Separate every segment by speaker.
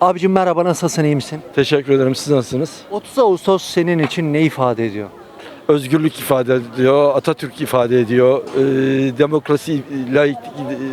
Speaker 1: Abicim merhaba, nasılsın, iyi misin?
Speaker 2: Teşekkür ederim. Siz nasılsınız?
Speaker 1: 30 Ağustos senin için ne ifade ediyor?
Speaker 2: Özgürlük ifade ediyor, Atatürk ifade ediyor, demokrasi, laiklik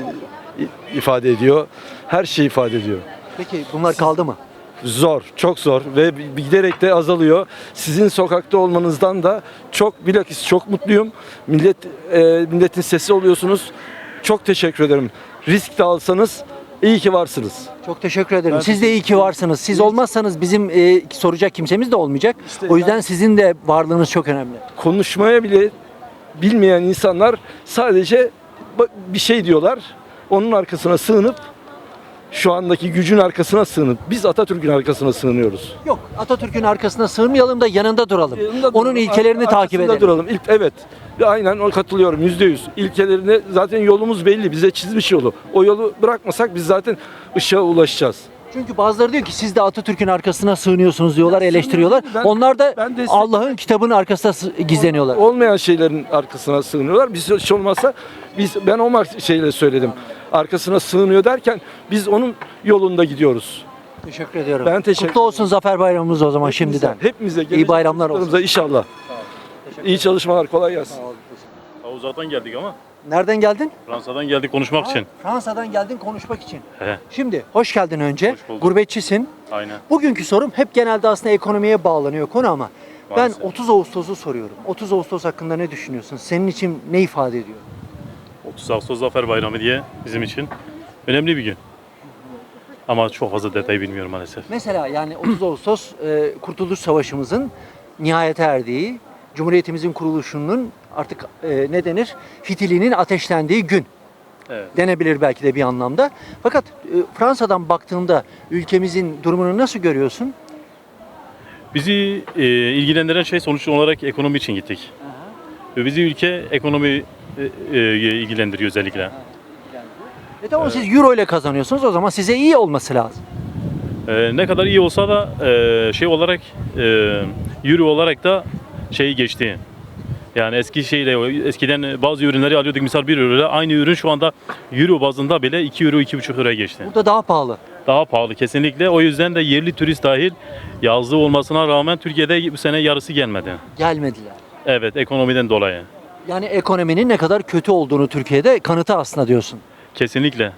Speaker 2: ifade ediyor. Her şeyi ifade ediyor.
Speaker 1: Peki bunlar kaldı mı?
Speaker 2: Zor, çok zor ve giderek de azalıyor. Sizin sokakta olmanızdan da bilakis çok mutluyum. Milletin sesi oluyorsunuz. Çok teşekkür ederim. Risk de alsanız iyi ki varsınız.
Speaker 1: Çok teşekkür ederim. Siz de iyi ki varsınız. Siz olmazsanız bizim soracak kimsemiz de olmayacak.
Speaker 2: İşte
Speaker 1: O yüzden sizin de varlığınız çok önemli.
Speaker 2: Konuşmaya bile bilmeyen insanlar sadece bir şey diyorlar. Onun arkasına sığınıp şu andaki gücün arkasına sığınıp biz Atatürk'ün arkasına sığınıyoruz.
Speaker 1: Yok, Atatürk'ün arkasına sığınmayalım da yanında duralım.
Speaker 2: Yanında
Speaker 1: Onun
Speaker 2: duralım,
Speaker 1: ilkelerini takip
Speaker 2: arkasında
Speaker 1: edelim.
Speaker 2: duralım. Evet. Aynen katılıyorum %100. İlkelerine zaten yolumuz belli. Bize çizmiş yolu. O yolu bırakmasak biz zaten ışığa ulaşacağız.
Speaker 1: Çünkü bazıları diyor ki siz de Atatürk'ün arkasına sığınıyorsunuz diyorlar, eleştiriyorlar. Onlar da
Speaker 2: ben
Speaker 1: Allah'ın kitabının arkasında gizleniyorlar.
Speaker 2: Olmayan şeylerin arkasına sığınıyorlar. Biz hiç olmazsa ben o şeyle söyledim. Arkasına sığınıyor derken biz onun yolunda gidiyoruz.
Speaker 1: Teşekkür ediyorum.
Speaker 2: Ben teşekkür
Speaker 1: Kutlu olsun Zafer Bayramımız o zaman şimdiden.
Speaker 2: Hepimize
Speaker 1: İyi bayramlar olsun.
Speaker 2: inşallah. İyi çalışmalar, kolay gelsin.
Speaker 3: Uzaktan geldik ama.
Speaker 1: Nereden geldin?
Speaker 3: Fransa'dan geldik konuşmak için.
Speaker 1: Fransa'dan geldin konuşmak için.
Speaker 3: He,
Speaker 1: Şimdi hoş geldin önce.
Speaker 3: Hoş bulduk.
Speaker 1: Gurbetçisin.
Speaker 3: aynen.
Speaker 1: Bugünkü sorum hep genelde aslında ekonomiye bağlanıyor konu ama
Speaker 3: Maalesef.
Speaker 1: ben 30 Ağustos'u soruyorum. 30 Ağustos hakkında ne düşünüyorsun? Senin için ne ifade ediyor?
Speaker 3: 30 Ağustos Zafer Bayramı diye bizim için önemli bir gün. Ama çok fazla detayı bilmiyorum maalesef.
Speaker 1: Mesela yani 30 Ağustos Kurtuluş Savaşımızın nihayete erdiği, Cumhuriyetimizin kuruluşunun artık ne denir? Fitilinin ateşlendiği gün
Speaker 3: Evet.
Speaker 1: denebilir belki de bir anlamda. Fakat Fransa'dan baktığında ülkemizin durumunu nasıl görüyorsun?
Speaker 3: Bizi ilgilendiren şey sonuç olarak ekonomi için gittik. Ve bizi ülke ekonomi ilgilendiriyor özellikle.
Speaker 1: Tamam, siz euro ile kazanıyorsunuz, o zaman size iyi olması lazım.
Speaker 3: Ne kadar iyi olsa da şey olarak euro olarak da şeyi geçti. Yani eskiden bazı ürünleri alıyorduk misal 1 euro ile aynı ürün şu anda euro bazında bile 2 euro 2,5 euroya geçti.
Speaker 1: Burada daha pahalı.
Speaker 3: Daha pahalı kesinlikle. O yüzden de yerli turist dahil yazlığı olmasına rağmen Türkiye'de bu sene yarısı gelmedi.
Speaker 1: Gelmediler.
Speaker 3: Evet, ekonomiden dolayı.
Speaker 1: Yani ekonominin ne kadar kötü olduğunu Türkiye'de kanıtı aslında diyorsun.
Speaker 3: Kesinlikle.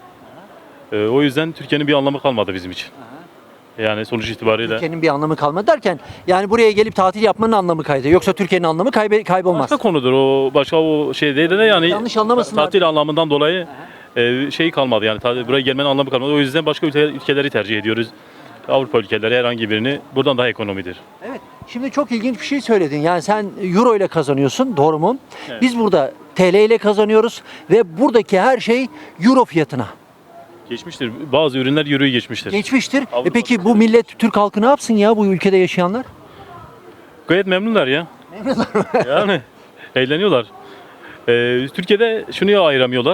Speaker 3: O yüzden Türkiye'nin bir anlamı kalmadı bizim için. Yani sonuç itibariyle.
Speaker 1: Türkiye'nin bir anlamı kalmadı derken yani buraya gelip tatil yapmanın anlamı kaydı. Yoksa Türkiye'nin anlamı kaybolmaz.
Speaker 3: Başka konudur o, başka o şey değil de yani
Speaker 1: Yanlış anlamasınlar.
Speaker 3: tatil anlamından dolayı şey kalmadı yani buraya gelmenin anlamı kalmadı. O yüzden başka ülkeleri tercih ediyoruz. Avrupa ülkeleri herhangi birini buradan daha ekonomidir.
Speaker 1: Evet. Şimdi çok ilginç bir şey söyledin. Yani sen euro ile kazanıyorsun, doğru mu?
Speaker 3: Evet.
Speaker 1: Biz burada TL ile kazanıyoruz ve buradaki her şey euro fiyatına
Speaker 3: Geçmiştir. Bazı ürünler euroyu geçmiştir.
Speaker 1: geçmiştir.
Speaker 3: Avrupa
Speaker 1: Peki bu millet, Türk halkı ne yapsın ya, bu ülkede yaşayanlar?
Speaker 3: Gayet memnunlar ya.
Speaker 1: Memnunlar mı?
Speaker 3: Yani eğleniyorlar. Türkiye'de şunu ayıramıyorlar.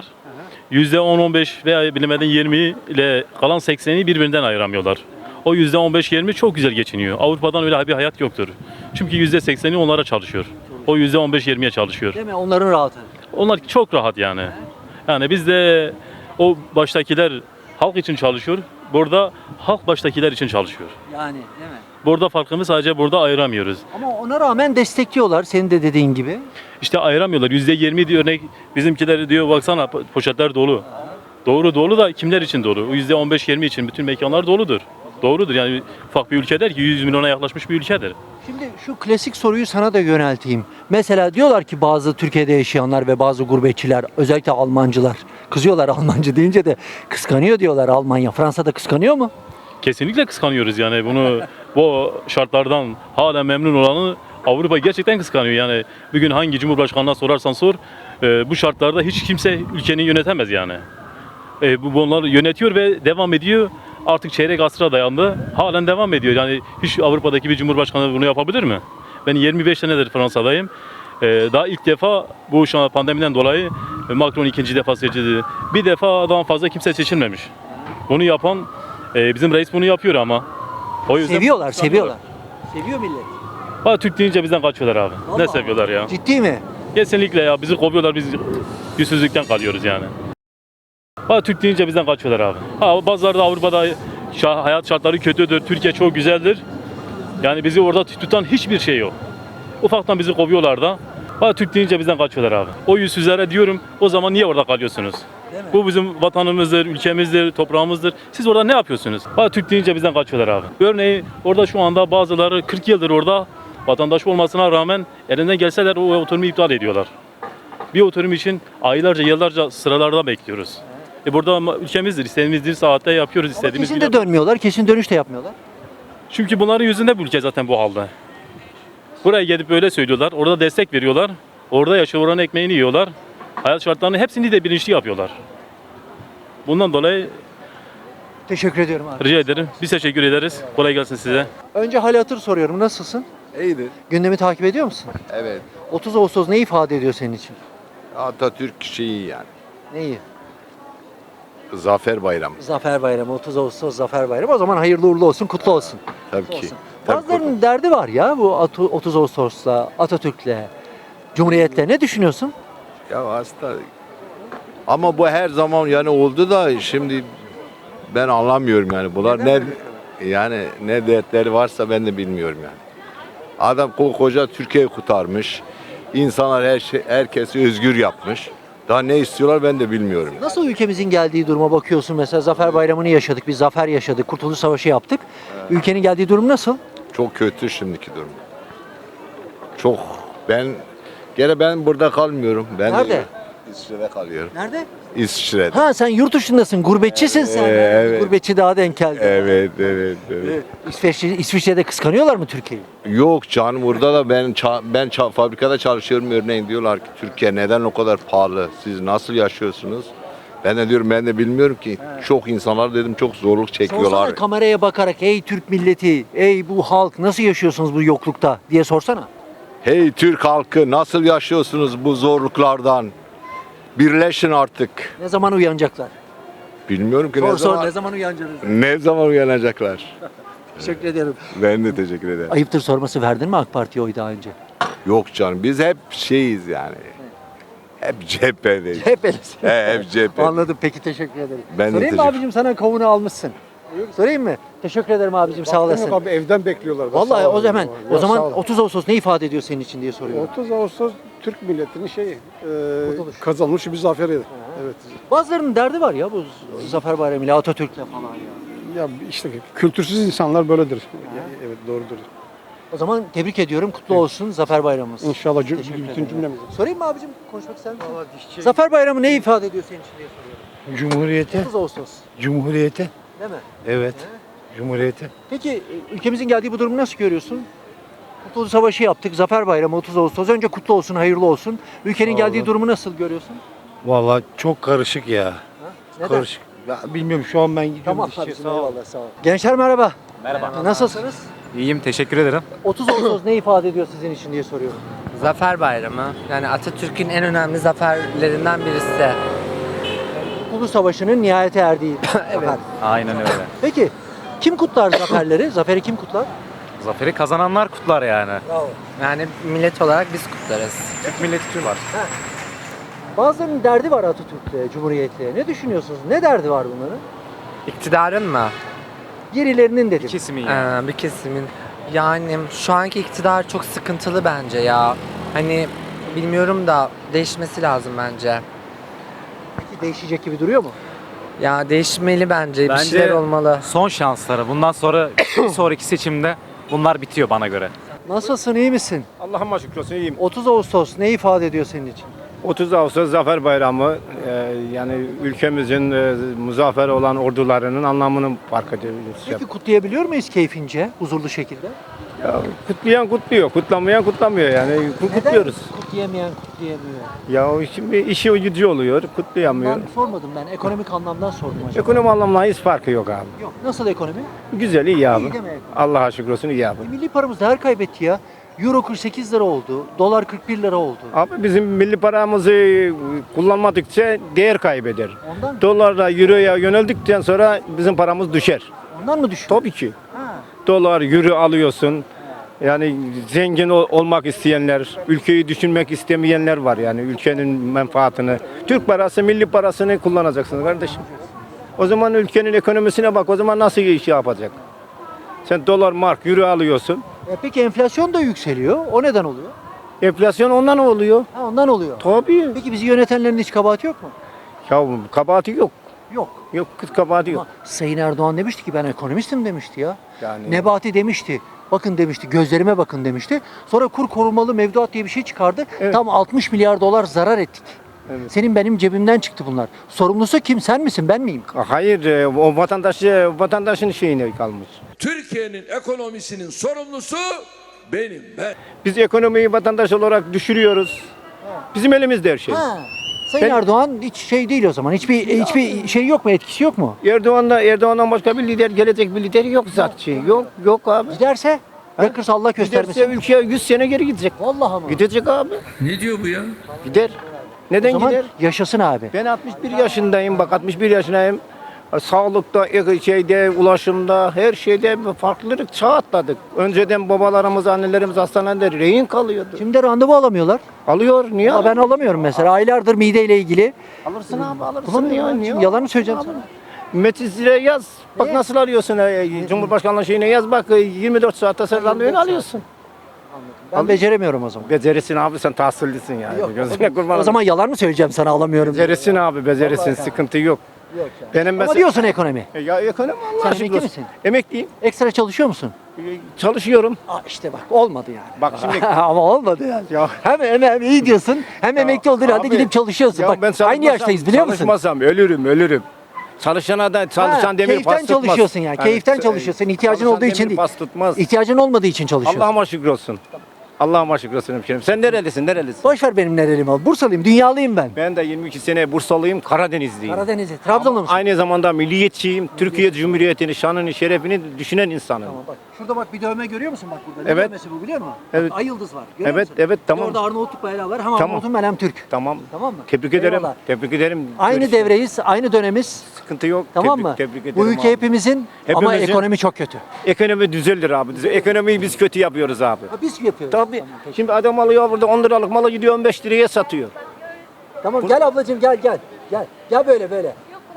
Speaker 3: %10-15 veya bilemedin 20 ile kalan 80'i birbirinden ayıramıyorlar. O %15-20 çok güzel geçiniyor. Avrupa'dan öyle bir hayat yoktur. Çünkü %80'i onlara çalışıyor. O %15-20'ye çalışıyor.
Speaker 1: Değil mi? Onların rahatı.
Speaker 3: Onlar çok rahat yani. Yani bizde o baştakiler halk için çalışıyor. Burada halk baştakiler için çalışıyor.
Speaker 1: Yani değil mi?
Speaker 3: Burada farkımı sadece burada ayıramıyoruz.
Speaker 1: Ama ona rağmen destekliyorlar senin de dediğin gibi.
Speaker 3: İşte ayıramıyorlar. %20 diyor örnek bizimkiler diyor baksana poşetler dolu. Doğru dolu da kimler için dolu? O %15-20 için bütün mekanlar doludur. Doğrudur yani ufak bir ülkedir ki 100 milyona yaklaşmış bir ülkedir.
Speaker 1: Şimdi şu klasik soruyu sana da yönelteyim. Mesela diyorlar ki bazı Türkiye'de yaşayanlar ve bazı gurbetçiler, özellikle Almancılar, kızıyorlar Almancı deyince de, kıskanıyor diyorlar Almanya. Fransa'da kıskanıyor mu?
Speaker 3: Kesinlikle kıskanıyoruz yani bunu bu şartlardan hala memnun olanı Avrupa gerçekten kıskanıyor. Yani bugün hangi cumhurbaşkanına sorarsan sor bu şartlarda hiç kimse ülkeni yönetemez yani. Bunlar yönetiyor ve devam ediyor. Artık çeyrek asra dayandı. Halen devam ediyor. Yani hiç Avrupa'daki bir cumhurbaşkanı bunu yapabilir mi? Ben 25 senedir Fransa'dayım. Daha ilk defa bu şu an pandemiden dolayı Macron ikinci defa seçildi. Bir defadan fazla kimse seçilmemiş. Bunu yapan bizim reis bunu yapıyor ama. O yüzden
Speaker 1: Seviyorlar. Seviyor millet.
Speaker 3: Türk deyince bizden kaçıyorlar abi.
Speaker 1: Vallahi.
Speaker 3: Ne seviyorlar ya.
Speaker 1: Ciddi mi?
Speaker 3: Kesinlikle ya. Bizi kovuyorlar. Biz yüzsüzlükten kalıyoruz yani. Türk deyince bizden kaçıyorlar abi. Bazıları da Avrupa'da hayat şartları kötüdür, Türkiye çok güzeldir. Yani bizi orada tutan hiçbir şey yok. Ufaktan bizi kovuyorlar da. Ha, Türk deyince bizden kaçıyorlar abi. O yüzsüzlere diyorum, o zaman niye orada kalıyorsunuz? Bu bizim vatanımızdır, ülkemizdir, toprağımızdır. Siz orada ne yapıyorsunuz? Ha, Türk deyince bizden kaçıyorlar abi. Örneğin orada şu anda bazıları 40 yıldır orada vatandaş olmasına rağmen elinden gelseler o oturumu iptal ediyorlar. Bir oturum için aylarca, yıllarca sıralarda bekliyoruz. Burada ülkemizdir, istediğimizdir, saatte yapıyoruz,
Speaker 1: Ama
Speaker 3: istediğimiz
Speaker 1: kesin
Speaker 3: gibi.
Speaker 1: de dönmüyorlar, kesin dönüş de yapmıyorlar.
Speaker 3: Çünkü bunların yüzünde bu ülke zaten bu halde. Buraya gelip böyle söylüyorlar, orada destek veriyorlar. Orada yaşıyor, oranın ekmeğini yiyorlar. Hayat şartlarını hepsini de bilinçli yapıyorlar. Bundan dolayı
Speaker 1: Teşekkür ediyorum abi.
Speaker 3: rica ederim. Biz teşekkür ederiz. Kolay gelsin size.
Speaker 1: Önce hal hatır soruyorum. Nasılsın?
Speaker 4: İyidir.
Speaker 1: Gündemi takip ediyor musun?
Speaker 4: Evet.
Speaker 1: 30 Ağustos ne ifade ediyor senin için?
Speaker 4: Atatürk şeyi yani.
Speaker 1: Neyi?
Speaker 4: Zafer Bayramı.
Speaker 1: Zafer Bayramı, 30 Ağustos Zafer Bayramı. O zaman hayırlı uğurlu olsun, kutlu olsun.
Speaker 4: Tabii ki.
Speaker 1: Olsun.
Speaker 4: Tabii
Speaker 1: Bazılarının derdi var ya bu 30 Ağustos'la, Atatürk'le, Cumhuriyet'le. Ne düşünüyorsun?
Speaker 4: Ya hasta. Ama bu her zaman yani oldu da şimdi ben anlamıyorum yani. Bunlar
Speaker 1: Neden
Speaker 4: yani ne dertleri varsa ben de bilmiyorum yani. Adam koca Türkiye'yi kurtarmış. İnsanlar herkesi özgür yapmış. Daha ne istiyorlar ben de bilmiyorum.
Speaker 1: Nasıl ülkemizin geldiği duruma bakıyorsun mesela Zafer Bayramı'nı yaşadık, bir zafer yaşadık, Kurtuluş Savaşı yaptık. Ülkenin geldiği durum nasıl?
Speaker 4: Çok kötü şimdiki durum. Çok. Ben burada kalmıyorum. Ben
Speaker 1: Nerede?
Speaker 4: İsviçre'de kalıyorum.
Speaker 1: Nerede?
Speaker 4: İsviçre'de.
Speaker 1: Ha sen yurt dışındasın, gurbetçisin sen.
Speaker 4: Evet.
Speaker 1: Gurbetçi daha denk geldi.
Speaker 4: Evet.
Speaker 1: İsviçre'de kıskanıyorlar mı Türkiye'yi?
Speaker 4: Yok canım burada da ben fabrikada çalışıyorum örneğin diyorlar ki Türkiye neden o kadar pahalı? Siz nasıl yaşıyorsunuz? Ben de diyorum ben de bilmiyorum ki. Çok insanlar dedim çok zorluk çekiyorlar.
Speaker 1: Sorsana kameraya bakarak ey Türk milleti, ey bu halk nasıl yaşıyorsunuz bu yoklukta diye sorsana.
Speaker 4: Hey Türk halkı nasıl yaşıyorsunuz bu zorluklardan? Birleşin artık.
Speaker 1: Ne zaman uyanacaklar?
Speaker 4: Bilmiyorum ki
Speaker 1: Sor ne zaman uyanacaksınız?
Speaker 4: ne zaman uyanacaklar.
Speaker 1: Teşekkür ederim.
Speaker 4: Ben de teşekkür ederim.
Speaker 1: Ayıptır sorması verdin mi AK Parti'ye oy daha önce?
Speaker 4: Yok canım biz hep şeyiz yani. Hep cephedeyiz.
Speaker 1: Hep öylesin.
Speaker 4: Hep cephe.
Speaker 1: Anladım peki teşekkür ederim.
Speaker 4: Ben de
Speaker 1: Sorayım mı
Speaker 4: teşekkür-
Speaker 1: abicim sana kavunu almışsın? Sorayım mı? Teşekkür ederim abicim sağ olasın.
Speaker 5: Yok abi evden bekliyorlar.
Speaker 1: Vallahi
Speaker 5: Sağ
Speaker 1: o
Speaker 5: olun.
Speaker 1: zaman
Speaker 5: Ya,
Speaker 1: o zaman
Speaker 5: sağ olun.
Speaker 1: 30 Ağustos ne ifade ediyor senin için diye soruyorum.
Speaker 5: 30 Ağustos Türk milletinin şeyi
Speaker 1: Kurtuluş.
Speaker 5: kazanmış bir zaferi. Evet.
Speaker 1: Bazılarının derdi var ya bu Zafer Bayramı ile Atatürk'le falan ya.
Speaker 5: Ya işte kültürsüz insanlar böyledir. Evet doğrudur.
Speaker 1: O zaman tebrik ediyorum. Kutlu olsun Zafer Bayramımız.
Speaker 5: İnşallah
Speaker 1: Teşekkür
Speaker 5: bütün
Speaker 1: ederim.
Speaker 5: cümlemiz.
Speaker 1: Sorayım mı abicim? Konuşmak ister misin? Zafer Bayramı ne ifade ediyor senin için diye soruyorum.
Speaker 6: Cumhuriyete,
Speaker 1: 30 Ağustos.
Speaker 6: Cumhuriyete.
Speaker 1: Değil mi?
Speaker 6: Evet. Cumhuriyete.
Speaker 1: Peki ülkemizin geldiği bu durumu nasıl görüyorsun? Kurtuluş Savaşı yaptık. Zafer Bayramı 30 Ağustos. Önce kutlu olsun, hayırlı olsun. Ülkenin
Speaker 6: Sağ
Speaker 1: geldiği
Speaker 6: olun.
Speaker 1: durumu nasıl görüyorsun?
Speaker 6: Vallahi çok karışık ya.
Speaker 1: Neden?
Speaker 6: Karışık. Ya bilmiyorum şu an ben gidiyorum.
Speaker 1: Tamam
Speaker 6: dışarı.
Speaker 1: abicim
Speaker 6: Sağ ol.
Speaker 1: eyvallah sağ ol. Gençler merhaba. Merhaba. Nasılsınız?
Speaker 7: İyiyim, teşekkür ederim.
Speaker 1: 30 Ağustos ne ifade ediyor sizin için diye soruyorum.
Speaker 8: Zafer Bayramı. Yani Atatürk'ün en önemli zaferlerinden birisi.
Speaker 1: Kurtuluş Savaşı'nın nihayete erdiği zafer.
Speaker 7: Aynen öyle.
Speaker 1: Peki kim kutlar zaferleri? Zaferi kim kutlar?
Speaker 7: Zaferi kazananlar kutlar yani.
Speaker 1: Bravo.
Speaker 8: Yani millet olarak biz kutlarız.
Speaker 7: Türk milleti var.
Speaker 1: Bazılarının derdi var Atatürk'le, Cumhuriyet'le. Ne düşünüyorsunuz? Ne derdi var bunların?
Speaker 8: İktidarın mı?
Speaker 1: Birilerinin dedim.
Speaker 7: Kesimi yani.
Speaker 8: Bir kesimin. Yani şu anki iktidar çok sıkıntılı bence ya. Hani bilmiyorum da değişmesi lazım bence.
Speaker 1: Peki değişecek gibi duruyor mu?
Speaker 8: Ya değişmeli bence. Bir
Speaker 7: Bence-
Speaker 8: şeyler olmalı.
Speaker 7: Son şansları. Bundan sonra bir sonraki seçimde bunlar bitiyor bana göre.
Speaker 1: Nasılsın, iyi misin?
Speaker 5: Allah'ıma şükür olsun iyiyim.
Speaker 1: 30 Ağustos ne ifade ediyor senin için?
Speaker 5: 30 Ağustos Zafer Bayramı yani ülkemizin muzaffer olan ordularının anlamını fark ediyoruz.
Speaker 1: Peki kutlayabiliyor muyuz keyfince, huzurlu şekilde?
Speaker 5: Ya, kutlayan kutluyor, kutlamayan kutlamıyor yani kutluyoruz.
Speaker 1: Neden kutlayamayan kutlayamıyor?
Speaker 5: Ya o şimdi işi gücü oluyor, kutlayamıyor.
Speaker 1: Ben sormadım ben, ekonomik anlamdan sordum acaba.
Speaker 5: Ekonomi anlamında hiç farkı yok abi.
Speaker 1: Yok, nasıl ekonomi?
Speaker 5: Güzel iyi abi.
Speaker 1: İyi demek.
Speaker 5: Allah'a şükür olsun iyi abi.
Speaker 1: Milli paramız değer kaybetti ya. Euro 48 lira oldu, dolar 41 lira oldu.
Speaker 5: Abi bizim milli paramızı kullanmadıkça değer kaybeder.
Speaker 1: Ondan
Speaker 5: Dolarla, euroya yöneldikten sonra bizim paramız düşer.
Speaker 1: ondan mı düşüyor?
Speaker 5: Tabii ki.
Speaker 1: Ha.
Speaker 5: Dolar, euro alıyorsun. Yani zengin olmak isteyenler, ülkeyi düşünmek istemeyenler var yani ülkenin menfaatini. Türk parası, milli parasını kullanacaksınız kardeşim. O zaman ülkenin ekonomisine bak. O zaman nasıl iş yapacak? Sen dolar, mark, euro alıyorsun.
Speaker 1: Peki enflasyon da yükseliyor. O neden oluyor?
Speaker 5: Enflasyon ondan oluyor.
Speaker 1: Ha, ondan oluyor.
Speaker 5: Tabii.
Speaker 1: Peki bizi yönetenlerin hiç kabahati yok mu?
Speaker 5: Ya kabahati yok.
Speaker 1: Yok.
Speaker 5: Yok, kız kabahati yok.
Speaker 1: Ama Sayın Erdoğan demişti ki ben ekonomistim demişti ya.
Speaker 5: Yani-
Speaker 1: Nebati demişti. Bakın demişti, gözlerime bakın demişti. Sonra kur korumalı mevduat diye bir şey çıkardı.
Speaker 5: Evet.
Speaker 1: Tam 60 milyar dolar zarar ettik.
Speaker 5: Evet.
Speaker 1: Senin benim cebimden çıktı bunlar. Sorumlusu kim? Sen misin? Ben miyim?
Speaker 5: Hayır, o vatandaşın şeyine kalmış.
Speaker 9: Türkiye'nin ekonomisinin sorumlusu benim.
Speaker 5: Biz ekonomiyi vatandaş olarak düşürüyoruz. Bizim elimizde her şey.
Speaker 1: Ha. Sayın
Speaker 5: Ben-
Speaker 1: Erdoğan hiç şey değil o zaman. Hiçbir şey yok mu? Etkisi yok mu?
Speaker 5: Erdoğan'dan başka bir lider, gelecek bir lider yok zaten. Yok abi.
Speaker 1: Giderse bırakırsa Allah göstermesin.
Speaker 5: Giderse ülke 100 sene geri gidecek.
Speaker 1: Vallahi mı?
Speaker 5: Gidecek abi.
Speaker 9: Ne diyor bu ya?
Speaker 5: Gider.
Speaker 1: O
Speaker 5: Neden
Speaker 1: zaman
Speaker 5: gider?
Speaker 1: yaşasın abi.
Speaker 5: Ben 61 yaşındayım. Bak 61 yaşındayım. Sağlıkta, şeyde, ulaşımda, her şeyde farklılık çağ atladık. Önceden babalarımız, annelerimiz hastanede rehin kalıyordu.
Speaker 1: Şimdi randevu alamıyorlar.
Speaker 5: Alıyor. Niye?
Speaker 1: Ya ben alamıyorum mesela. Aylardır mideyle ilgili.
Speaker 5: Alırsın abi, alırsın.
Speaker 1: Bulamıyorum.
Speaker 5: Ya,
Speaker 1: Şimdi
Speaker 5: niye?
Speaker 1: yalanı söyleyeceğim sana.
Speaker 5: Metis'e yaz. Bak nasıl arıyorsun. Cumhurbaşkanlığı şeyine yaz bak. 24 saatte sen randevunu alıyorsun.
Speaker 1: Ben beceremiyorum o zaman.
Speaker 5: Becerisin abi, sen tahsillisin yani.
Speaker 1: Yok,
Speaker 5: Gözüne kurban
Speaker 1: o zaman yalan mı söyleyeceğim sana alamıyorum diye.
Speaker 5: becerisin abi, becerisin. Sıkıntı yok.
Speaker 1: Yok ya.
Speaker 5: Benim
Speaker 1: Ama
Speaker 5: mesela...
Speaker 1: diyorsun ekonomi.
Speaker 5: Ya ekonomi Allah
Speaker 1: Sen
Speaker 5: aşkına
Speaker 1: emekli
Speaker 5: olsun.
Speaker 1: misin?
Speaker 5: Emekliyim.
Speaker 1: Ekstra çalışıyor musun?
Speaker 5: Çalışıyorum.
Speaker 1: İşte bak olmadı yani.
Speaker 5: Bak şimdi...
Speaker 1: Ama olmadı yani.
Speaker 5: Ya-
Speaker 1: Hem iyi diyorsun hem emekli olduğun halde
Speaker 5: Abi,
Speaker 1: gidip çalışıyorsun.
Speaker 5: ya
Speaker 1: Bak
Speaker 5: ben çalışmasam-
Speaker 1: aynı yaştayız biliyor musun?
Speaker 5: Çalışmasam ölürüm. Çalışana da çalışan demir
Speaker 1: keyiften
Speaker 5: pas tutmaz.
Speaker 1: çalışıyorsun yani. Keyiften çalışıyorsun. İhtiyacın
Speaker 5: çalışan
Speaker 1: olduğu için
Speaker 5: demir
Speaker 1: değil.
Speaker 5: pas tutmaz.
Speaker 1: İhtiyacın olmadığı için çalışıyorsun.
Speaker 5: Allah'ıma şükür olsun. Allah'ıma şükür olsun hemşerim. Sen nerelisin?
Speaker 1: Boş ver benim nereliyim abi. Bursalıyım, dünyalıyım ben.
Speaker 5: Ben de 22 sene Bursalıyım, Karadenizliyim.
Speaker 1: Karadenizli, Trabzonlu musun?
Speaker 5: Aynı zamanda milliyetçiyim. Türkiye Cumhuriyeti'ni, şanını, şerefini düşünen insanım.
Speaker 1: Tamam bak. Şurada bak bir dövme görüyor musun bak burada? Ne
Speaker 5: Evet.
Speaker 1: dövmesi bu biliyor musun?
Speaker 5: Evet.
Speaker 1: Bak, ay yıldız var. Görüyor
Speaker 5: Evet,
Speaker 1: musun?
Speaker 5: evet, tamam.
Speaker 1: Orada Arnavutluk bayrağı var. Hem
Speaker 5: Tamam.
Speaker 1: Arnavut'um ben hem Türk.
Speaker 5: Tamam.
Speaker 1: Tamam mı?
Speaker 5: Tebrik ederim.
Speaker 1: Eyvallah.
Speaker 5: Tebrik ederim.
Speaker 1: Aynı
Speaker 5: Görüşürüz.
Speaker 1: devreyiz, aynı dönemiz.
Speaker 5: Sıkıntı yok.
Speaker 1: Tamam
Speaker 5: Tebrik-
Speaker 1: mı?
Speaker 5: Tebrik ederim
Speaker 1: Bu ülke
Speaker 5: abi.
Speaker 1: hepimizin ama
Speaker 5: Hepimizin.
Speaker 1: ekonomi çok kötü.
Speaker 5: Ekonomi düzelir abi. Ekonomiyi biz kötü yapıyoruz abi.
Speaker 1: Biz yapıyoruz.
Speaker 5: Tabii.
Speaker 1: Tamam, peki.
Speaker 5: Şimdi adam alıyor burada 10 liralık malı gidiyor 15 liraya satıyor.
Speaker 1: Tamam gel ablacığım gel. Gel böyle.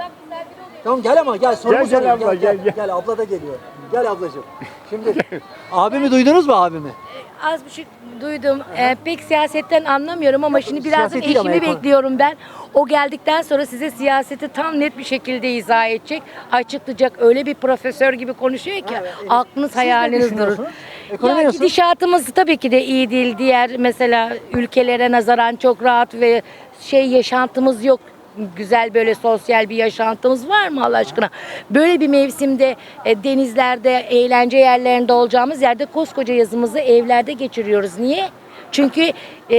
Speaker 1: Tamam gel ama gel sorunu
Speaker 5: Gel
Speaker 1: sorayım.
Speaker 5: abla, gel.
Speaker 1: Gel abla da geliyor. Gel ablacığım. Şimdi abimi duydunuz mu abimi?
Speaker 10: Az buçuk duydum. Pek siyasetten anlamıyorum ama şimdi birazcık
Speaker 1: siyaset değil ama
Speaker 10: eşimi
Speaker 1: ekonomi.
Speaker 10: bekliyorum ben. O geldikten sonra size siyaseti tam net bir şekilde izah edecek, açıklayacak. Öyle bir profesör gibi konuşuyor ki aklınız hayaliniz durur.
Speaker 1: düşünüyorsunuz? Ekonomi
Speaker 10: Ya
Speaker 1: nasıl?
Speaker 10: gidişatımız tabii ki de iyi değil. Diğer mesela ülkelere nazaran çok rahat ve yaşantımız yok. Güzel böyle sosyal bir yaşantımız var mı Allah aşkına? Böyle bir mevsimde denizlerde, eğlence yerlerinde olacağımız yerde koskoca yazımızı evlerde geçiriyoruz. Niye? Çünkü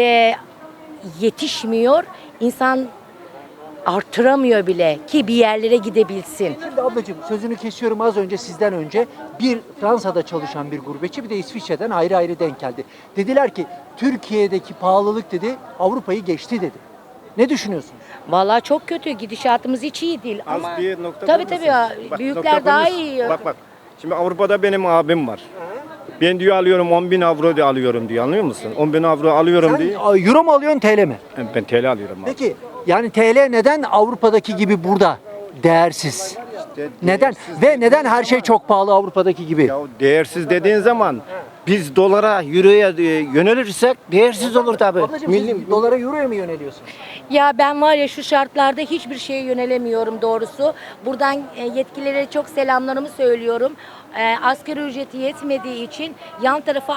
Speaker 10: yetişmiyor. İnsan artıramıyor bile ki bir yerlere gidebilsin.
Speaker 1: Şimdi ablacığım sözünü kesiyorum az önce sizden önce bir Fransa'da çalışan bir gurbetçi bir de İsviçre'den ayrı denk geldi. Dediler ki Türkiye'deki pahalılık dedi Avrupa'yı geçti dedi. Ne düşünüyorsun?
Speaker 10: Vallahi çok kötü. Gidişatımız hiç iyi değil.
Speaker 5: Az
Speaker 10: Ama
Speaker 5: bir nokta
Speaker 10: tabii
Speaker 5: koymasın.
Speaker 10: ya.
Speaker 5: Bak,
Speaker 10: Büyükler
Speaker 5: nokta
Speaker 10: daha
Speaker 5: koymasın.
Speaker 10: iyi.
Speaker 5: Bak. Şimdi Avrupa'da benim abim var. Ben diyor alıyorum 10.000 avro diye alıyorum diyor, anlıyor musun? 10.000 avro alıyorum
Speaker 1: Sen
Speaker 5: diye.
Speaker 1: euro mu alıyorsun TL mi?
Speaker 5: Ben TL alıyorum abi.
Speaker 1: Peki yani TL neden Avrupa'daki gibi burada değersiz? Neden? Ve neden her şey çok pahalı Avrupa'daki gibi?
Speaker 5: Ya değersiz dediğin zaman biz dolara, euroya yönelirsek değersiz olur tabii.
Speaker 1: Ablacığım siz dolara euroya mı yöneliyorsun?
Speaker 10: Ya ben var ya şu şartlarda hiçbir şeye yönelemiyorum doğrusu. Buradan yetkililere çok selamlarımı söylüyorum. Asgari ücreti yetmediği için yan tarafa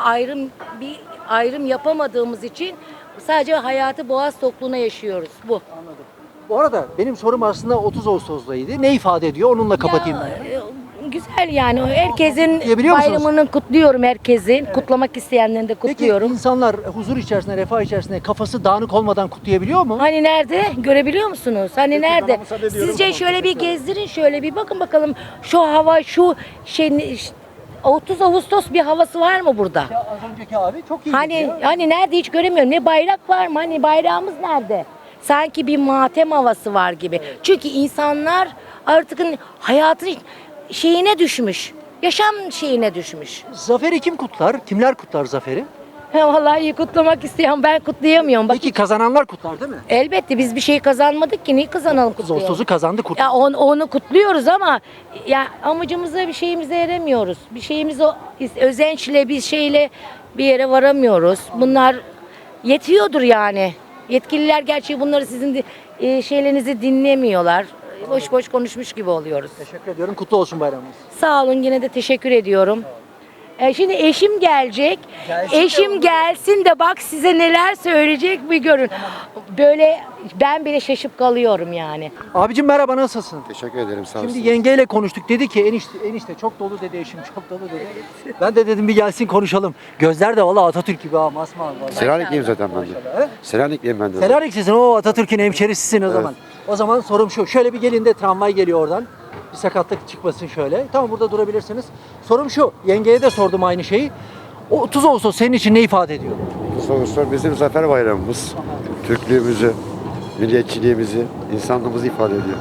Speaker 10: ayrım yapamadığımız için sadece hayatı boğaz tokluğuna yaşıyoruz. Bu.
Speaker 1: Bu arada benim sorum aslında 30 Ağustos'taydı. Ne ifade ediyor? Onunla kapatayım ben.
Speaker 10: Güzel yani herkesin
Speaker 1: Diyebiliyor musunuz?
Speaker 10: bayramını kutluyorum herkesin. Kutlamak isteyenlerini de
Speaker 1: Peki
Speaker 10: kutluyorum.
Speaker 1: insanlar huzur içerisinde, refah içerisinde kafası dağınık olmadan kutlayabiliyor mu?
Speaker 10: Hani nerede? Görebiliyor musunuz? Hani nerede?
Speaker 5: bana müsaade ediyorum
Speaker 10: Sizce
Speaker 5: ama
Speaker 10: şöyle bir gezdirin, şöyle bir bakın bakalım şu hava, şu şey 30 Ağustos bir havası var mı burada?
Speaker 1: Az önceki abi çok iyi
Speaker 10: Hani nerede hiç göremiyorum. Ne bayrak var mı? Hani bayrağımız nerede? Sanki bir matem havası var gibi. Çünkü insanlar artık hayatın şeyine düşmüş. Yaşam şeyine düşmüş.
Speaker 1: Zaferi kim kutlar? Kimler kutlar zaferi?
Speaker 10: Vallahi kutlamak isteyen ben kutlayamıyorum. Bak
Speaker 1: Peki kazananlar kutlar değil mi?
Speaker 10: elbette biz bir şey kazanmadık ki niye kazanalım kutlayalım?
Speaker 1: Ağustos'u kazandı kutlar.
Speaker 10: Ya onu kutluyoruz ama ya amacımıza bir şeyimize eremiyoruz. Bir şeyimize özençle bir şeyle bir yere varamıyoruz. Bunlar yetiyordur yani. Yetkililer gerçi bunları sizin şeylerinizi dinlemiyorlar. Boş boş konuşmuş gibi oluyoruz.
Speaker 1: Teşekkür ediyorum. Kutlu olsun bayramınız.
Speaker 10: Sağ olun yine de teşekkür ediyorum. Şimdi eşim gelecek. Eşim gelsin de bak size neler söyleyecek bir görün. Böyle ben bile şaşıp kalıyorum yani.
Speaker 1: Abicim merhaba, nasılsın?
Speaker 6: Teşekkür ederim, sağ
Speaker 1: Şimdi yengeyle konuştuk. Dedi ki enişte çok dolu dedi, eşim çok dolu dedi. Ben de dedim bir gelsin konuşalım. Gözler de valla Atatürk gibi ha, masmavi valla.
Speaker 6: Selanik'liyim zaten ben de. Selanik'liyim ben de.
Speaker 1: Selanik'lisin, o Atatürk'ün hemşerisisin o zaman. O zaman sorum şu. Şöyle bir gelin de tramvay geliyor oradan. Bir sakatlık çıkmasın şöyle. Tamam, burada durabilirsiniz. Sorum şu. Yengeye de sordum aynı şeyi. O 30 Ağustos senin için ne ifade ediyor?
Speaker 6: Sonuçta bizim zafer bayramımız. Türklüğümüzü, milliyetçiliğimizi, insanlığımızı ifade ediyor.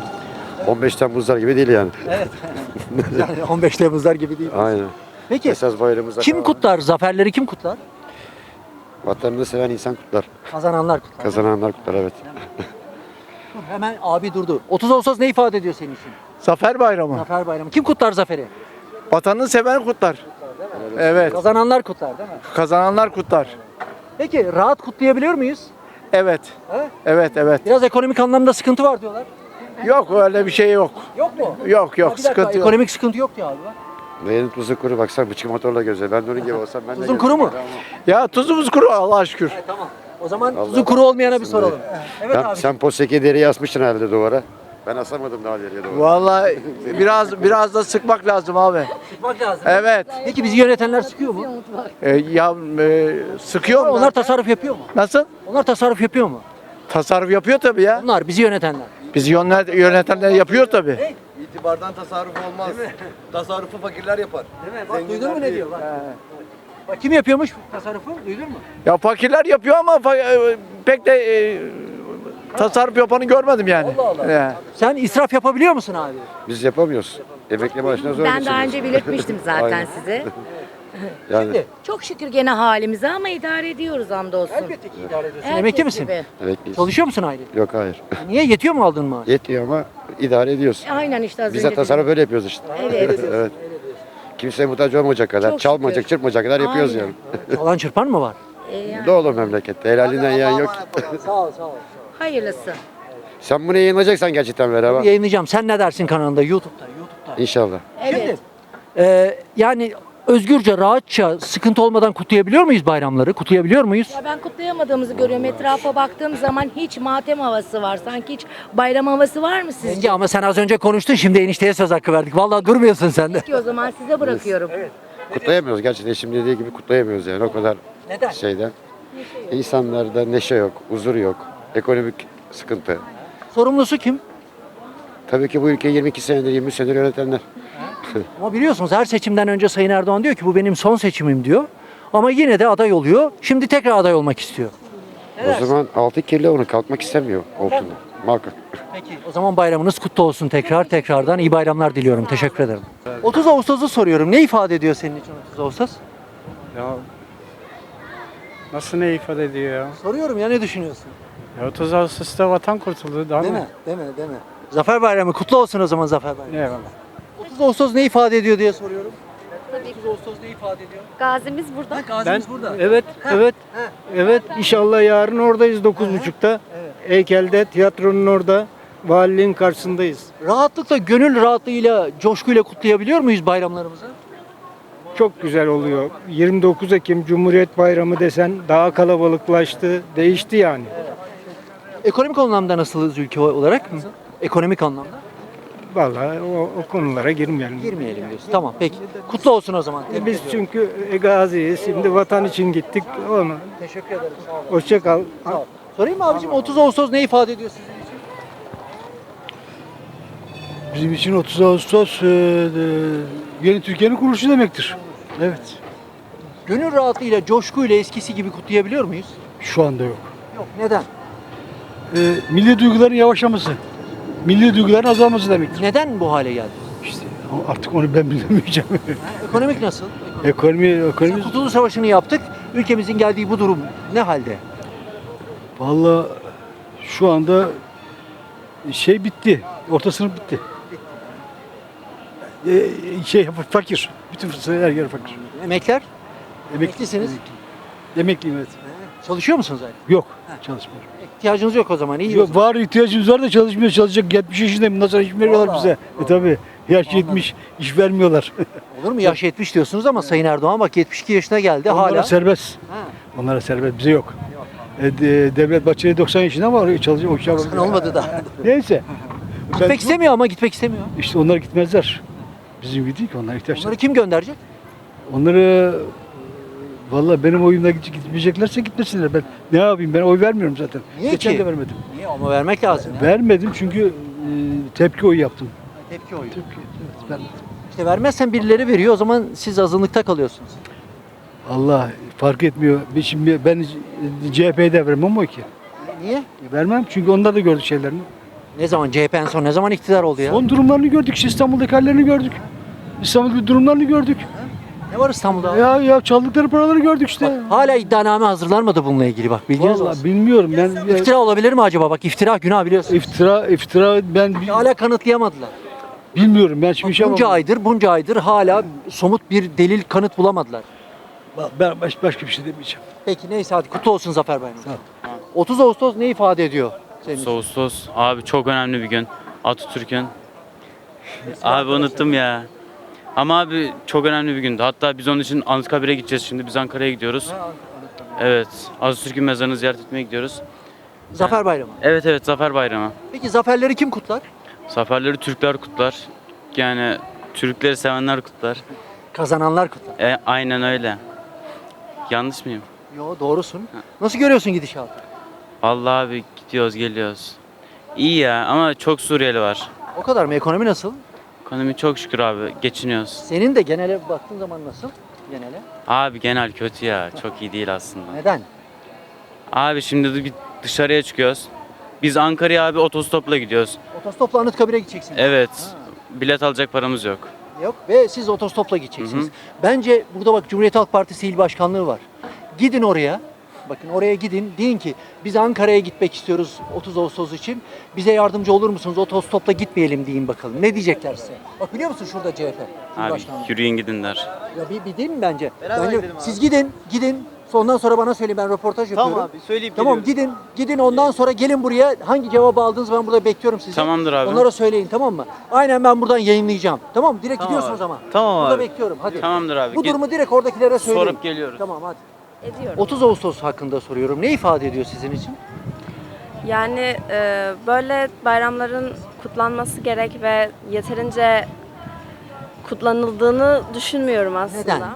Speaker 6: 15 Temmuzlar gibi değil yani.
Speaker 1: Evet. Yani 15 Temmuzlar gibi değil.
Speaker 6: Aynen.
Speaker 1: Peki
Speaker 6: Esas bayramımız
Speaker 1: kim kutlar? Zaferleri kim kutlar?
Speaker 6: Vatanını seven insan kutlar.
Speaker 1: Kazananlar kutlar.
Speaker 6: Kazananlar kutlar, evet.
Speaker 1: Dur, hemen abi durdu. 30 Ağustos ne ifade ediyor senin için?
Speaker 5: Zafer Bayramı.
Speaker 1: Zafer bayramı. Kim kutlar zaferi?
Speaker 5: Vatanını seven kutlar. Evet.
Speaker 1: Kazananlar kutlar değil mi?
Speaker 5: Kazananlar kutlar.
Speaker 1: Peki rahat kutlayabiliyor muyuz?
Speaker 5: Evet.
Speaker 1: He?
Speaker 5: Evet.
Speaker 1: Biraz ekonomik anlamda sıkıntı var diyorlar.
Speaker 5: Yok öyle bir şey yok.
Speaker 1: Yok mu?
Speaker 5: Yok
Speaker 1: Ha, bir dakika,
Speaker 5: sıkıntı yok.
Speaker 1: ekonomik sıkıntı yok diyor abi.
Speaker 6: Neyin tuzu kuru, baksana bıçak motorla gözle. Ben de onun gibi olsam ben de
Speaker 1: Tuzun kuru mu?
Speaker 5: Ya tuzumuz kuru Allah'a şükür.
Speaker 1: Tamam. O zaman
Speaker 6: Allah
Speaker 1: tuzu kuru olmayana bir soralım. Evet abi.
Speaker 6: Sen posteki deriyi asmışsın herhalde duvara. Ben asamadım daha deriye duvara.
Speaker 5: Vallahi biraz da sıkmak lazım abi.
Speaker 1: Sıkmak lazım.
Speaker 5: Evet.
Speaker 1: Peki bizi yönetenler sıkıyor mu?
Speaker 5: Sıkıyor mu?
Speaker 1: Onlar tasarruf yapıyor mu?
Speaker 5: Nasıl?
Speaker 1: Onlar tasarruf yapıyor mu?
Speaker 5: Tasarruf yapıyor tabii ya.
Speaker 1: Onlar bizi yönetenler.
Speaker 5: Bizi yönetenler yapıyor tabii.
Speaker 11: İtibardan tasarruf olmaz. Tasarrufu fakirler yapar.
Speaker 1: Değil mi? Bak duydun mu ne diyor? Bak kim yapıyormuş tasarrufu? Duydun mu?
Speaker 5: Ya fakirler yapıyor ama pek de tasarruf yapanı görmedim yani.
Speaker 1: Allah Allah.
Speaker 5: Ya.
Speaker 1: Sen israf yapabiliyor musun abi?
Speaker 6: Biz yapamıyoruz. Emekli maaşına zor
Speaker 10: Ben daha
Speaker 6: geçiniyoruz.
Speaker 10: önce belirtmiştim zaten
Speaker 6: Aynen.
Speaker 10: size.
Speaker 6: Yani
Speaker 1: Şimdi
Speaker 10: Çok şükür gene halimize ama idare ediyoruz hamdolsun.
Speaker 1: elbette ki idare ediyorsun.
Speaker 10: Herkes
Speaker 1: Emekli misin?
Speaker 10: gibi.
Speaker 6: emekliyiz.
Speaker 1: Çalışıyor musun aile?
Speaker 6: Yok, hayır.
Speaker 1: Niye? Yetiyor mu aldığın maaş?
Speaker 6: Yetiyor ama idare ediyoruz.
Speaker 10: Aynen işte az
Speaker 6: Biz
Speaker 10: önce
Speaker 6: de tasarruf
Speaker 10: dedim.
Speaker 6: böyle yapıyoruz işte.
Speaker 10: Evet.
Speaker 6: Evet. Kimseye muhtaç olmayacak kadar,
Speaker 10: Çok
Speaker 6: çalmayacak,
Speaker 10: şükür.
Speaker 6: çırpmayacak kadar yapıyoruz
Speaker 10: Aynen.
Speaker 6: yani.
Speaker 1: Çalan çırpan mı var?
Speaker 10: Yani
Speaker 6: Dolu memlekette. Helalinden yiyen yok.
Speaker 1: Sağ ol, sağ ol.
Speaker 10: hayırlısı.
Speaker 6: Sen bunu yayınlayacaksan gerçekten ver ama.
Speaker 1: Yayınlayacağım. Sen ne dersin kanalında? YouTube'da.
Speaker 6: İnşallah.
Speaker 10: Evet.
Speaker 1: Yani özgürce, rahatça, sıkıntı olmadan kutlayabiliyor muyuz bayramları? Kutlayabiliyor muyuz?
Speaker 10: Ya ben kutlayamadığımızı görüyorum. Etrafa baktığım zaman hiç matem havası var. Sanki hiç bayram havası var mı sizce?
Speaker 1: Yenge ama sen az önce konuştun, şimdi enişteye söz hakkı verdik. Vallahi durmuyorsun sen de.
Speaker 10: Peki o zaman size bırakıyorum.
Speaker 6: Kutlayamıyoruz gerçekten. Şimdi dediği gibi kutlayamıyoruz yani o kadar
Speaker 1: Neden?
Speaker 6: şeyden. İnsanlarda neşe yok, huzur yok, ekonomik sıkıntı.
Speaker 1: Sorumlusu kim?
Speaker 6: Tabii ki bu ülkeyi 22 senedir, 20 senedir yönetenler.
Speaker 1: Ama biliyorsunuz her seçimden önce Sayın Erdoğan diyor ki bu benim son seçimim diyor. Ama yine de aday oluyor. Şimdi tekrar aday olmak istiyor.
Speaker 6: O zaman altı kirli onu kalkmak istemiyor olsun. Muhakkak.
Speaker 1: Peki o zaman bayramınız kutlu olsun tekrardan iyi bayramlar diliyorum. Teşekkür ederim. 30 Ağustos'u soruyorum. Ne ifade ediyor senin için 30 Ağustos?
Speaker 12: Ya nasıl ne ifade ediyor ya?
Speaker 1: Soruyorum ya, ne düşünüyorsun?
Speaker 12: 30 Ağustos'ta vatan kurtuldu daha
Speaker 1: Değil
Speaker 12: mı?
Speaker 1: mi? Değil mi? Zafer Bayramı kutlu olsun o zaman Zafer Bayramı.
Speaker 12: Eyvallah.
Speaker 1: 30 Ağustos ne ifade ediyor diye soruyorum. 30 Ağustos ne ifade ediyor?
Speaker 10: Gazimiz burada.
Speaker 1: Gazimiz burada.
Speaker 6: Evet. İnşallah yarın oradayız 9.30'da. Heykelde, tiyatronun orada. Valiliğin karşısındayız.
Speaker 1: Rahatlıkla, gönül rahatlığıyla, coşkuyla kutlayabiliyor muyuz bayramlarımızı?
Speaker 6: Çok güzel oluyor. 29 Ekim Cumhuriyet Bayramı desen daha kalabalıklaştı, değişti yani.
Speaker 1: Ekonomik anlamda nasılız ülke olarak? Ekonomik anlamda?
Speaker 6: Vallahi o konulara girmeyelim.
Speaker 1: Girmeyelim diyorsun. Tamam peki. Kutlu olsun o zaman. Tebrik
Speaker 6: Biz
Speaker 1: ediyorum.
Speaker 6: çünkü gaziyiz. Şimdi vatan için gittik. Onu.
Speaker 1: Teşekkür ederim. Sağ olun.
Speaker 6: Hoşça kal.
Speaker 1: Sağ ol. Sorayım mı abicim, 30 Ağustos ne ifade ediyor sizin için?
Speaker 6: Bizim için 30 Ağustos yeni Türkiye'nin kuruluşu demektir. Evet.
Speaker 1: Gönül rahatlığıyla, coşkuyla eskisi gibi kutlayabiliyor muyuz?
Speaker 6: Şu anda yok.
Speaker 1: Yok. Neden?
Speaker 6: Milli duyguların yavaşlaması, milli duyguların azalması demektir.
Speaker 1: Neden bu hale geldi?
Speaker 6: İşte artık onu ben bilemeyeceğim.
Speaker 1: Ekonomik nasıl?
Speaker 6: Ekonomi
Speaker 1: Kurtuluş Savaşı'nı yaptık. Ülkemizin geldiği bu durum ne halde?
Speaker 13: Vallahi şu anda şey bitti. Orta sınıf bitti. Fakir. Bütün her yer fakir.
Speaker 1: Emekler?
Speaker 13: Emekli.
Speaker 1: Emeklisiniz.
Speaker 13: Emekliyim evet.
Speaker 1: Çalışıyor musunuz zaten?
Speaker 13: Yok. Çalışmıyorum.
Speaker 1: İhtiyacınız yok o zaman. İyi.
Speaker 13: Yok, var ihtiyacımız var da çalışmıyor. Çalışacak 70 yaşındayım. Bundan sonra iş veriyorlar
Speaker 1: Vallahi.
Speaker 13: bize. Tabii. Yaş 70 iş vermiyorlar.
Speaker 1: Olur mu? Yaş 70 diyorsunuz ama Sayın Erdoğan bak 72 yaşına geldi
Speaker 13: Onlara
Speaker 1: hala.
Speaker 13: serbest.
Speaker 1: Ha.
Speaker 13: Onlara serbest. Bize yok. Devlet Bahçeli 90 yaşında ama çalışacak. O işe
Speaker 1: Sen olmadı da.
Speaker 13: Neyse.
Speaker 1: Gitmek istemiyor ama gitmek istemiyor.
Speaker 13: İşte onlar gitmezler. Bizim gibi değil ki onlar ihtiyaçlar.
Speaker 1: Onları kim gönderecek?
Speaker 13: Onları vallahi benim oyumla gitmeyeceklerse gitmesinler. Ben ne yapayım? Ben oy vermiyorum zaten.
Speaker 1: Niye
Speaker 13: Geçen
Speaker 1: ki?
Speaker 13: de vermedim.
Speaker 1: Niye? Ama vermek lazım. Ya.
Speaker 13: Vermedim çünkü tepki oyu yaptım.
Speaker 1: Tepki oyu.
Speaker 13: Tepki, evet, vermedim.
Speaker 1: İşte vermezsen birileri veriyor o zaman siz azınlıkta kalıyorsunuz.
Speaker 13: Allah fark etmiyor. Şimdi ben CHP'ye de vermem o ki.
Speaker 1: Niye?
Speaker 13: Vermem çünkü onlar da gördük şeylerini.
Speaker 1: Ne zaman CHP en son ne zaman iktidar oldu ya?
Speaker 13: Son durumlarını gördük. İşte İstanbul'daki hallerini gördük. İstanbul'daki durumlarını gördük.
Speaker 1: Ne var İstanbul'da?
Speaker 13: Ya çaldıkları paraları gördük işte.
Speaker 1: Bak, hala iddianame hazırlanmadı bununla ilgili bak bilginiz
Speaker 13: Vallahi
Speaker 1: olsun.
Speaker 13: bilmiyorum ben.
Speaker 1: İftira olabilir mi acaba? Bak iftira günah biliyorsun.
Speaker 13: İftira ben
Speaker 1: Hala kanıtlayamadılar.
Speaker 13: bilmiyorum. Ben şimdi şey
Speaker 1: Bunca aydır hala somut bir delil kanıt bulamadılar.
Speaker 13: ben başka bir şey demeyeceğim.
Speaker 1: Peki neyse hadi kutlu olsun Zafer Bayramı. 30 Ağustos ne ifade ediyor senin için?
Speaker 14: Ağustos abi çok önemli bir gün. Atatürk'ün. Abi unuttum ya. Ama abi çok önemli bir gündü. Hatta biz onun için Anıtkabir'e gideceğiz şimdi. Biz Ankara'ya gidiyoruz. Evet. Atatürk'ün mezarını ziyaret etmeye gidiyoruz.
Speaker 1: Zafer Bayramı.
Speaker 14: Evet Zafer Bayramı.
Speaker 1: Peki zaferleri kim kutlar?
Speaker 14: Zaferleri Türkler kutlar. Yani Türkleri sevenler kutlar.
Speaker 1: Kazananlar kutlar.
Speaker 14: Aynen öyle. Yanlış mıyım?
Speaker 1: Yo doğrusun. Nasıl görüyorsun gidişatı?
Speaker 14: Vallahi abi gidiyoruz geliyoruz. İyi ya ama çok Suriyeli var.
Speaker 1: O kadar mı? Ekonomi nasıl?
Speaker 14: Ekonomi çok şükür abi geçiniyoruz.
Speaker 1: Senin de genele baktığın zaman nasıl? Genele.
Speaker 14: Abi genel kötü ya. Çok iyi değil aslında.
Speaker 1: Neden?
Speaker 14: Abi şimdi de bir dışarıya çıkıyoruz. Biz Ankara'ya abi otostopla gidiyoruz.
Speaker 1: Otostopla Anıtkabir'e gideceksiniz.
Speaker 14: Evet. Bilet alacak paramız yok.
Speaker 1: Yok ve siz otostopla gideceksiniz. Bence burada bak Cumhuriyet Halk Partisi İl Başkanlığı var. Gidin oraya. Bakın oraya gidin. Deyin ki biz Ankara'ya gitmek istiyoruz 30 Ağustos için. Bize yardımcı olur musunuz? Otostopla gitmeyelim deyin bakalım. Ne diyecekler size? Bak biliyor musun şurada CHP İl
Speaker 14: Abi
Speaker 1: Başkanlığı.
Speaker 14: yürüyün gidin der.
Speaker 1: Ya bir değil mi bence? Siz gidin. Ondan sonra bana söyleyin ben röportaj yapıyorum.
Speaker 11: Tamam abi söyleyip
Speaker 1: Tamam gidin ondan sonra gelin buraya. Hangi cevabı aldınız ben burada bekliyorum sizi.
Speaker 14: Tamamdır abi.
Speaker 1: Onlara söyleyin tamam mı? Aynen ben buradan yayınlayacağım. Tamam mı? Direkt gidiyorsunuz ama.
Speaker 11: Tamam
Speaker 1: Burada
Speaker 11: abi.
Speaker 1: bekliyorum hadi.
Speaker 14: Tamamdır abi.
Speaker 1: Bu durumu direkt oradakilere söyleyin.
Speaker 14: Sorup geliyoruz.
Speaker 1: Tamam hadi.
Speaker 15: Ediyorum.
Speaker 1: 30 Ağustos hakkında soruyorum. Ne ifade ediyor sizin için?
Speaker 15: Yani böyle bayramların kutlanması gerek ve yeterince kutlanıldığını düşünmüyorum aslında.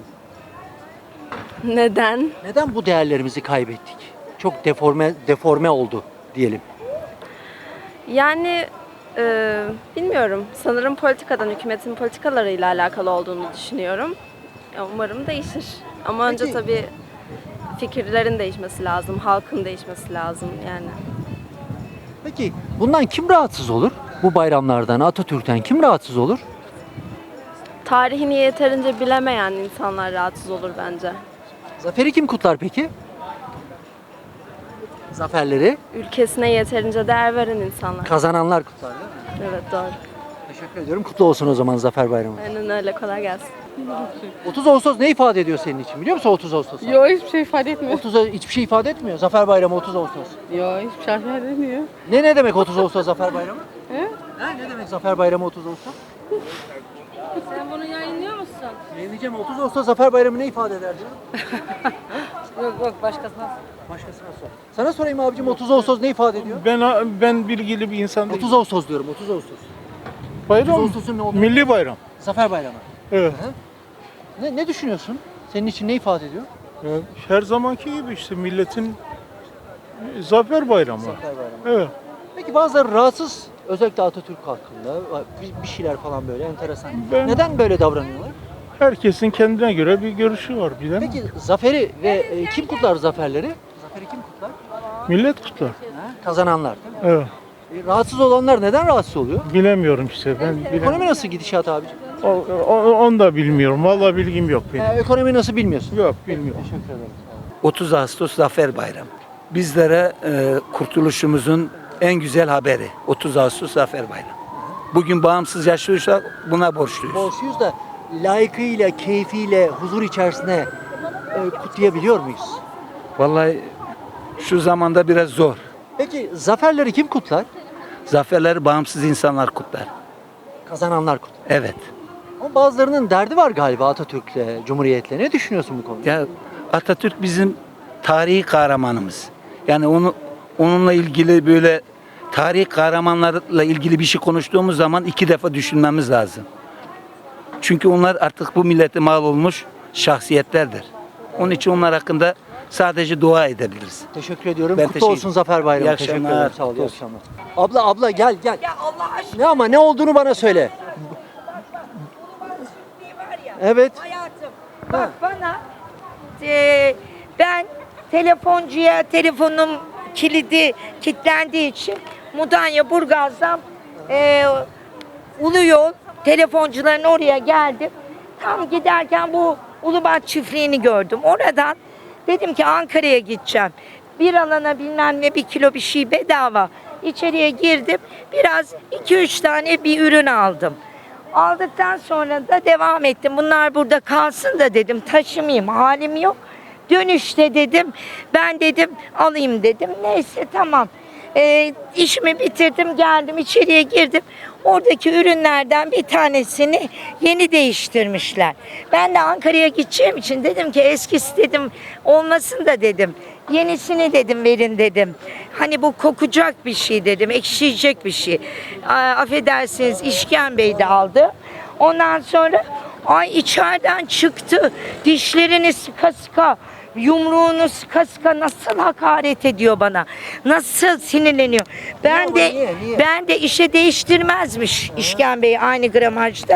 Speaker 15: Neden?
Speaker 1: Neden bu değerlerimizi kaybettik? Çok deforme oldu diyelim.
Speaker 15: Yani bilmiyorum. Sanırım politikadan, hükümetin politikalarıyla alakalı olduğunu düşünüyorum. Umarım değişir. Ama önce
Speaker 1: Peki-
Speaker 15: tabii fikirlerin değişmesi lazım, halkın değişmesi lazım yani.
Speaker 1: Peki bundan kim rahatsız olur? Bu bayramlardan, Atatürk'ten kim rahatsız olur?
Speaker 15: Tarihini yeterince bilemeyen insanlar rahatsız olur bence.
Speaker 1: Zaferi kim kutlar peki? Zaferleri
Speaker 15: Ülkesine yeterince değer veren insanlar.
Speaker 1: kazananlar kutlar değil mi?
Speaker 15: Evet doğru.
Speaker 1: Teşekkür ediyorum. Kutlu olsun o zaman Zafer Bayramı.
Speaker 15: Aynen öyle, kolay gelsin.
Speaker 1: 30 Ağustos ne ifade ediyor senin için biliyor musun 30 Ağustos?
Speaker 12: Yok hiçbir şey ifade etmiyor.
Speaker 1: 30 hiçbir şey ifade etmiyor. Zafer Bayramı 30 Ağustos.
Speaker 12: Yok hiçbir şey ifade etmiyor.
Speaker 1: Ne demek 30 Ağustos Zafer Bayramı?
Speaker 12: He?
Speaker 1: Ne demek Zafer Bayramı 30 Ağustos?
Speaker 15: Sen bunu yayınlıyor musun?
Speaker 1: Yayınlayacağım. 30 Ağustos Zafer Bayramı ne ifade eder diyor?
Speaker 15: Yok başkasına.
Speaker 1: Başkasına sor. Sana sorayım abicim 30 Ağustos ne ifade ediyor?
Speaker 12: Ben bilgili bir insan değilim.
Speaker 1: 30 Ağustos diyorum 30 Ağustos. 30
Speaker 12: Bayram
Speaker 1: Ağustos'un ne olduğunu.
Speaker 12: milli bayram.
Speaker 1: Zafer Bayramı.
Speaker 12: Evet.
Speaker 1: Ne düşünüyorsun? Senin için ne ifade ediyor?
Speaker 12: Her zamanki gibi işte milletin zafer bayramı.
Speaker 1: Zafer Bayramı.
Speaker 12: Evet.
Speaker 1: Peki bazıları rahatsız özellikle Atatürk hakkında bir şeyler falan böyle enteresan.
Speaker 12: Ben-
Speaker 1: Neden böyle davranıyorlar?
Speaker 12: Herkesin kendine göre bir görüşü var bilen.
Speaker 1: Peki zaferi ve kim kutlar zaferleri? Zaferi kim kutlar?
Speaker 12: Millet kutlar.
Speaker 1: Kazananlar değil mi?
Speaker 12: Evet.
Speaker 1: Rahatsız olanlar neden rahatsız oluyor?
Speaker 12: Bilemiyorum işte ben
Speaker 1: Ekonomi nasıl gidişat abicim?
Speaker 12: Onu da bilmiyorum. Vallahi bilgim yok benim.
Speaker 1: Ekonomi nasıl bilmiyorsun?
Speaker 12: Yok bilmiyorum.
Speaker 1: Teşekkür ederim.
Speaker 16: 30 Ağustos Zafer Bayramı. Bizlere kurtuluşumuzun en güzel haberi 30 Ağustos Zafer Bayramı. Bugün bağımsız yaşıyorsak buna borçluyuz.
Speaker 1: Borçluyuz da layıkıyla, keyfiyle, huzur içerisinde kutlayabiliyor muyuz?
Speaker 16: Vallahi şu zamanda biraz zor.
Speaker 1: Peki zaferleri kim kutlar?
Speaker 16: Zaferleri bağımsız insanlar kutlar.
Speaker 1: Kazananlar kutlar.
Speaker 16: Evet.
Speaker 1: Ama bazılarının derdi var galiba Atatürk'le, Cumhuriyet'le. Ne düşünüyorsun bu konuda?
Speaker 16: Ya Atatürk bizim tarihi kahramanımız. Yani onunla ilgili böyle tarihi kahramanlarla ilgili bir şey konuştuğumuz zaman 2 defa düşünmemiz lazım. Çünkü onlar artık bu millete mal olmuş şahsiyetlerdir. Onun için onlar hakkında sadece dua edebiliriz.
Speaker 1: Teşekkür ediyorum.
Speaker 16: Ben
Speaker 1: Kutlu
Speaker 16: teşekkür-
Speaker 1: olsun Zafer Bayramı.
Speaker 16: İyi
Speaker 1: Teşekkür
Speaker 16: akşamlar.
Speaker 1: ederim. Sağ ol.
Speaker 16: Kutlu
Speaker 1: İyi
Speaker 16: olsun.
Speaker 1: akşamlar. Abla gel gel. Ya Allah aşkına. Ne ama ne olduğunu bana söyle. Evet.
Speaker 17: Hayatım bak bana ben telefoncuya telefonum kilidi kilitlendiği için Mudanya Burgaz'dan Ulu Yol telefoncuların oraya geldim. Tam giderken bu Ulubat çiftliğini gördüm. Oradan dedim ki Ankara'ya gideceğim. Bir alana bilmem ne 1 kilo bir şey bedava. İçeriye girdim. Biraz 2-3 tane bir ürün aldım. Aldıktan sonra da devam ettim. Bunlar burada kalsın da dedim. Taşımayayım. Halim yok. Dönüşte dedim. Ben dedim alayım dedim. Neyse tamam. İşimi bitirdim. Geldim içeriye girdim. Oradaki ürünlerden bir tanesini yeni değiştirmişler. Ben de Ankara'ya gideceğim için dedim ki eskisi dedim olmasın da dedim. Yenisini dedim verin dedim. Hani bu kokacak bir şey dedim. Ekşiyecek bir şey. Affedersiniz işkembeyi de aldı. Ondan sonra içeriden çıktı. Dişlerini sıka sıka, yumruğunu sıka sıka nasıl hakaret ediyor bana. Nasıl sinirleniyor. Ben de işe değiştirmezmiş işkembeyi aynı gramajda.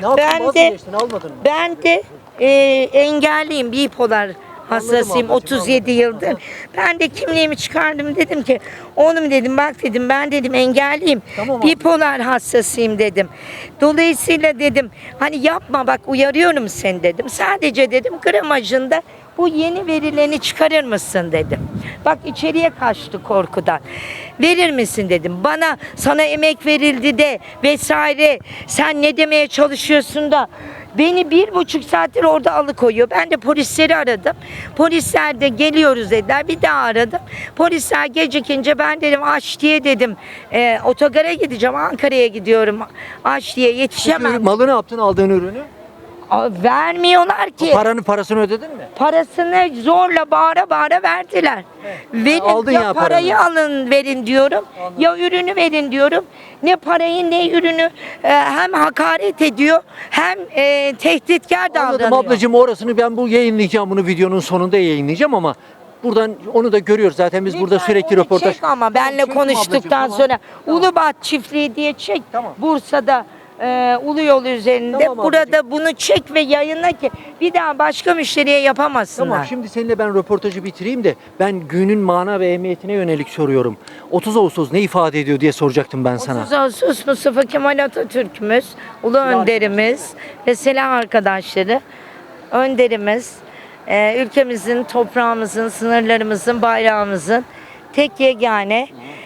Speaker 17: Ben de engelliyim, bipolar hastasıyım 37 yıldır. Ben de kimliğimi çıkardım dedim ki oğlum dedim bak dedim ben dedim engelliyim. Bipolar hastasıyım dedim. Dolayısıyla dedim hani yapma bak uyarıyorum seni dedim. Sadece dedim gramajında bu yeni verileni çıkarır mısın dedim. Bak içeriye kaçtı korkudan. Verir misin dedim. Bana sana emek verildi de vesaire sen ne demeye çalışıyorsun da beni 1,5 saattir orada alıkoyuyor. Ben de polisleri aradım. Polisler de geliyoruz dediler. Bir daha aradım. Polisler gecikince ben dedim aç diye dedim. Otogara gideceğim. Ankara'ya gidiyorum. Aç diye yetişemem.
Speaker 1: Malı ne yaptın aldığın ürünü?
Speaker 17: Vermiyorlar ki.
Speaker 1: Parasını ödedin mi?
Speaker 17: Parasını zorla bağıra bağıra verdiler. Verin,
Speaker 1: aldın
Speaker 17: ya
Speaker 1: ya
Speaker 17: parayı
Speaker 1: paranı.
Speaker 17: alın verin diyorum. Ya ürünü verin diyorum. Ne parayı ne ürünü hem hakaret ediyor hem tehditkar davranıyor.
Speaker 1: Anladım ablacığım orasını ben bu yayınlayacağım. Bunu videonun sonunda yayınlayacağım ama buradan onu da görüyoruz. Zaten biz burada sürekli
Speaker 17: Onu
Speaker 1: röportaj.
Speaker 17: çek ama benle
Speaker 1: Çektim
Speaker 17: konuştuktan
Speaker 1: ablacığım, tamam.
Speaker 17: sonra Ulubat çiftliği diye çek. Bursa'da Ulu Yol üzerinde.
Speaker 1: Tamam
Speaker 17: Burada bunu çek ve yayınla ki bir daha başka müşteriye yapamasınlar.
Speaker 1: Tamam şimdi seninle ben röportajı bitireyim de ben günün mana ve ehemmiyetine yönelik soruyorum. 30 Ağustos ne ifade ediyor diye soracaktım ben sana.
Speaker 17: 30 Ağustos Mustafa Kemal Atatürk'ümüz, ulu önderimiz ve silah arkadaşları, önderimiz, ülkemizin, toprağımızın, sınırlarımızın, bayrağımızın tek yegane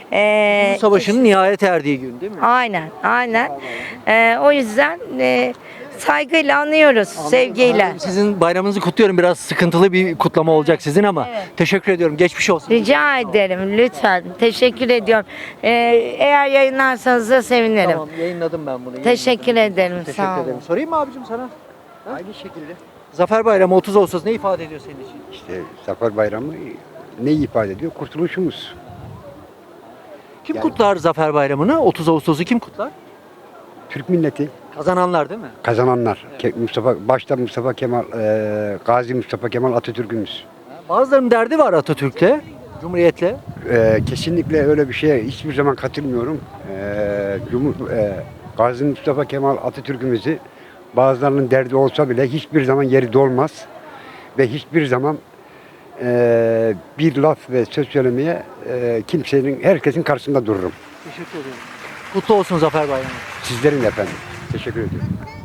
Speaker 1: Bu savaşın nihayet erdiği gün değil mi?
Speaker 17: Aynen. O yüzden saygıyla anıyoruz, sevgiyle.
Speaker 1: Sizin bayramınızı kutluyorum. Biraz sıkıntılı bir kutlama olacak sizin ama teşekkür ediyorum. Geçmiş olsun.
Speaker 17: Rica ederim lütfen. Teşekkür ediyorum. Eğer yayınlarsanız da sevinirim.
Speaker 1: Tamam yayınladım ben bunu.
Speaker 17: Teşekkür ederim.
Speaker 1: Teşekkür
Speaker 17: Sağ olun.
Speaker 1: ederim. Sorayım mı abicim sana? Aynı şekilde. Zafer Bayramı 30 Ağustos ne ifade ediyor senin için?
Speaker 18: İşte Zafer Bayramı ne ifade ediyor? Kurtuluşumuz.
Speaker 1: Kim kutlar Zafer Bayramı'nı? 30 Ağustos'u kim kutlar?
Speaker 18: Türk milleti.
Speaker 1: Kazananlar değil mi?
Speaker 18: Kazananlar. Başta Mustafa Kemal, Gazi Mustafa Kemal Atatürk'ümüz.
Speaker 1: Bazılarının derdi var Atatürk'le, Cumhuriyet'le.
Speaker 18: Kesinlikle öyle bir şeye hiçbir zaman katılmıyorum. Gazi Mustafa Kemal Atatürk'ümüzü bazılarının derdi olsa bile hiçbir zaman yeri dolmaz. Ve hiçbir zaman bir laf ve söz söylemeye herkesin karşısında dururum.
Speaker 1: Teşekkür ederim. Kutlu olsun Zafer Bayramı.
Speaker 18: Sizlerin de efendim. Teşekkür ediyorum.